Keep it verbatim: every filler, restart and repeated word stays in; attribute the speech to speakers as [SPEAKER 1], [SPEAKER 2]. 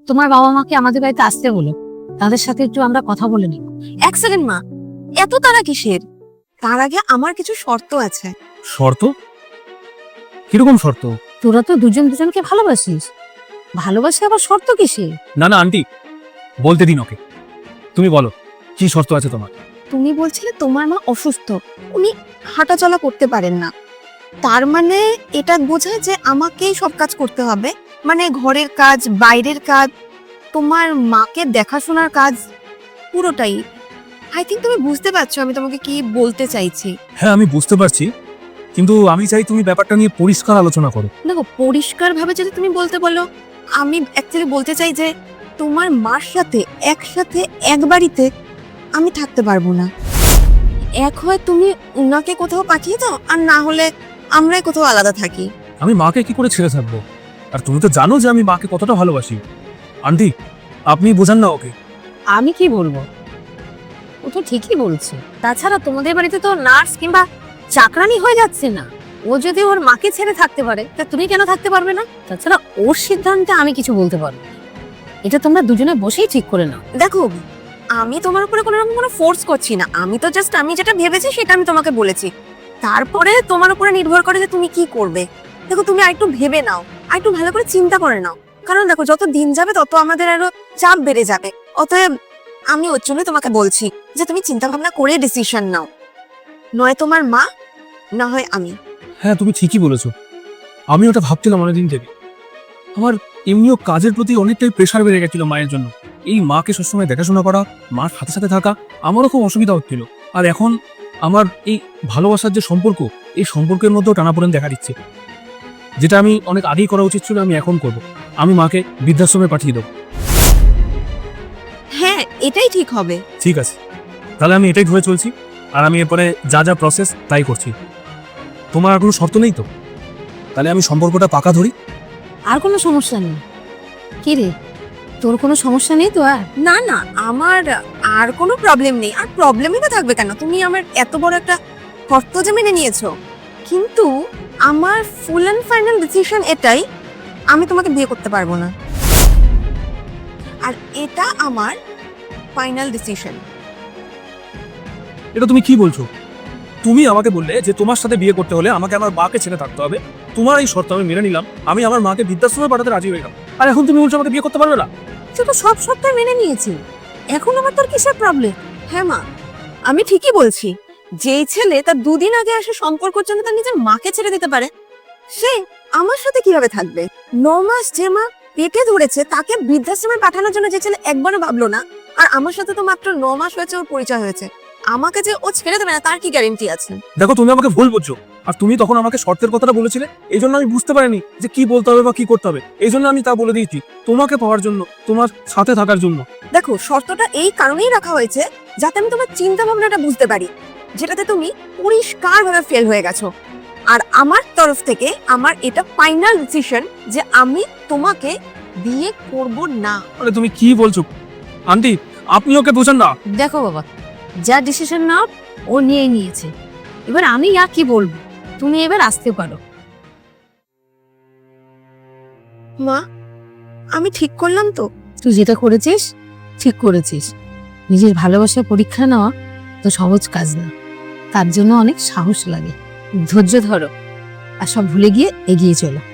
[SPEAKER 1] তোমার বাবা মাকে আমাদের বাড়িতে আসতে বলো, তাদের সাথে একটু আমরা কথা বলে নিব।
[SPEAKER 2] এক সেকেন্ড মা, এত তারা কিসের? তার আগে আমার কিছু শর্ত আছে।
[SPEAKER 3] শর্ত? কিরকম শর্ত?
[SPEAKER 1] তোরা তো দুজন দুজনকে ভালোবাসিস, ভালোবাসে আবার শর্ত কিসের?
[SPEAKER 3] না না আন্টি, বলতে দিন ওকে। তুমি বলো কি শর্ত আছে তোমার?
[SPEAKER 2] তুমি বলছিলে তোমার মা অসুস্থ, উনি হাঁটাচলা করতে পারেন না, তার মানে এটা বোঝায় যে আমাকেই সব কাজ করতে হবে, মানে ঘরের কাজ, বাইরের কাজ, তোমার মাকে দেখাশোনার কাজ, পুরোটাই। আই থিঙ্ক তুমি বুঝতে পারছো আমি তোমাকে কি বলতে চাইছি।
[SPEAKER 3] হ্যাঁ আমি বুঝতে পারছি, কিন্তু আমি চাই তুমি ব্যাপারটা নিয়ে পরিষ্কার আলোচনা করো।
[SPEAKER 2] দেখো, পরিষ্কার ভাবে যদি তুমি বলতে বলো, আমি অ্যাকচুয়ালি বলতে চাই যে তোমার মার সাথে একসাথে এক বাড়িতে আমি থাকতে পারবো না। এক হয় তুমি উনাকে কোথাও পাঠিয়ে দাও, আর না হলে আমরাই কোথাও আলাদা থাকি।
[SPEAKER 3] আমি মাকে কি করে ছেড়ে থাকবো? আর তুমি তো জানো যে আমি মাকে কতটা ভালোবাসি। আন্টি আপনি বোঝান না ওকে।
[SPEAKER 1] আমি কি বলবো, ও তো ঠিকই বলছে। তাছাড়া তোমাদের বাড়িতে তো নার্স কিংবা চাকরানি হয়ে যাচ্ছে না। ও যদি ওর মাকে ছেড়ে থাকতে পারে, তা তুমি কেন থাকতে পারবে না? তাছাড়া ওর সিদ্ধান্তে আমি কিছু বলতে পারবো না, এটা তোমরা দুজনে বসেই ঠিক করে নাও।
[SPEAKER 2] দেখো, আমি তোমার উপরে কোনো রকম কোনো ফোর্স করছি না, আমি তো জাস্ট আমি যেটা ভেবেছি সেটা আমি তোমাকে বলেছি, তারপরে তোমার উপরে নির্ভর করে যে তুমি কি করবে। দেখো, তুমি আরেকটু ভেবে নাও, আরেকটু ভালো করে চিন্তা করে নাও, কারণ দেখো যত দিন যাবে তত আমাদের আরো চাপ বেড়ে যাবে। অতএব আমি ওর জন্য তোমাকে বলছি যে তুমি চিন্তা ভাবনা করে ডিসিশন নাও, নয় তোমার মা, না হয় আমি।
[SPEAKER 3] হ্যাঁ তুমি ঠিকই বলেছো, আমি ওটা ভাবছিলাম অনেকদিন থেকে। আমার এমনিও কাজের প্রতি অনেকটাই প্রেশার বেড়ে গেছিল মায়ের জন্য। এই মাকে সবসময় দেখাশোনা করা, মার সাথে সাথে থাকা, আমারও খুব অসুবিধা হচ্ছিল। আর এখন আমার এই ভালোবাসার যে সম্পর্ক, এই সম্পর্কের মধ্যেও টানাপোড়েন দেখা দিচ্ছে। যেটা আমি অনেক আগেই করা উচিত ছিল, আমি এখন করব। আমি মাকে বৃদ্ধাশ্রমে পাঠিয়ে দেবো।
[SPEAKER 2] হ্যাঁ, এটাই ঠিক হবে।
[SPEAKER 3] ঠিক আছে, তাহলে আমি এটাই ধরে চলছি, আর আমি এরপরে যা যা প্রসেস তাই করছি। তোমার আর কোনো শর্ত নেই তো? তাহলে আমি সম্পর্কটা পাকা ধরি।
[SPEAKER 1] আর কোনো সমস্যা নেই? কি রে, তোর কোনো সমস্যা নেই তো? আর
[SPEAKER 2] না না, আমার আর কোনো প্রবলেম নেই। আর প্রবলেমই বা থাকবে কেন? তুমি আমার এত বড় একটা শর্ত যে মেনে নিয়েছো, কিন্তু আমার ফুল অ্যান্ড ফাইনাল ডিসিশন এটাই, আমি তোমাকে বিয়ে করতে পারবো না, আর এটা আমার ফাইনাল ডিসিশন।
[SPEAKER 3] এটা তুমি কি বলছো? তুমি আমাকে বললে যে তোমার সাথে বিয়ে করতে হলে আমাকে আমার মাকে ছেড়ে থাকতে হবে। তোমার এই শর্ত আমি মেনে নিলাম, আমি আমার মাকে বৃদ্ধাশ্রমে পাঠাতে রাজি হয়ে গেলাম। আর এখন তুমি বলছো আমাকে বিয়ে করতে পারবে না?
[SPEAKER 1] তুই তো সব সপ্তাহে মেনে নিয়েছি, এখন আবার তোর কিসের প্রবলেম?
[SPEAKER 2] হ্যাঁ মা, আমি ঠিকই বলছি। যেই ছেলে তার দুদিন আগে আসে সম্পর্কের জন্য তার নিজের মাকে ছেড়ে দিতে পারে, সে আমার সাথে কিভাবে থাকবে? ন মাস যে মা পেটে ধরেছে, তাকে বৃদ্ধাশ্রমে পাঠানোর জন্য যে ছেলে একবারও ভাবলো না, আর আমার সাথে তো মাত্র ন মাস হয়েছে ওর পরিচয় হয়েছে, আমাকে যে ও ছেড়ে দেবে না তার কি গ্যারেন্টি আছে?
[SPEAKER 3] দেখো তুমি আমাকে ভুল বুঝছো, আর তুমি তখন আমাকে শর্তের কথাটা বলেছিলে, এই জন্য আমি বুঝতে পারিনি যে কি বলতে হবে বা কি করতে হবে। এই জন্য আমি তা বলে দিয়েছি, তোমাকে পাওয়ার জন্য, তোমার সাথে থাকার জন্য।
[SPEAKER 2] দেখো, শর্তটা এই কারণেই রাখা হয়েছে যাতে আমি তোমার চিন্তা ভাবনাটা বুঝতে পারি, যেটাতে তুমি পরিষ্কার ভাবে ফেল হয়ে গেছো। আর আমার তরফ থেকে আমার এটা ফাইনাল ডিসিশন যে আমি তোমাকে বিয়ে করব না।
[SPEAKER 3] আরে তুমি কি বলছো আন্টি? আপনি ওকে বোঝান না।
[SPEAKER 1] দেখো বাবা, যা ডিসিশন নাও ও নিয়েই নিয়েছে, এবার আমি আর কি বলবো, তুমি এবার আসতে পারো।
[SPEAKER 2] মা, আমি ঠিক করলাম তো?
[SPEAKER 1] তুই যেটা করেছিস ঠিক করেছিস। নিজের ভালোবাসার পরীক্ষা নেওয়া তো সহজ কাজ না, তার জন্য অনেক সাহস লাগে। ধৈর্য ধরো আর সব ভুলে গিয়ে এগিয়ে চলো।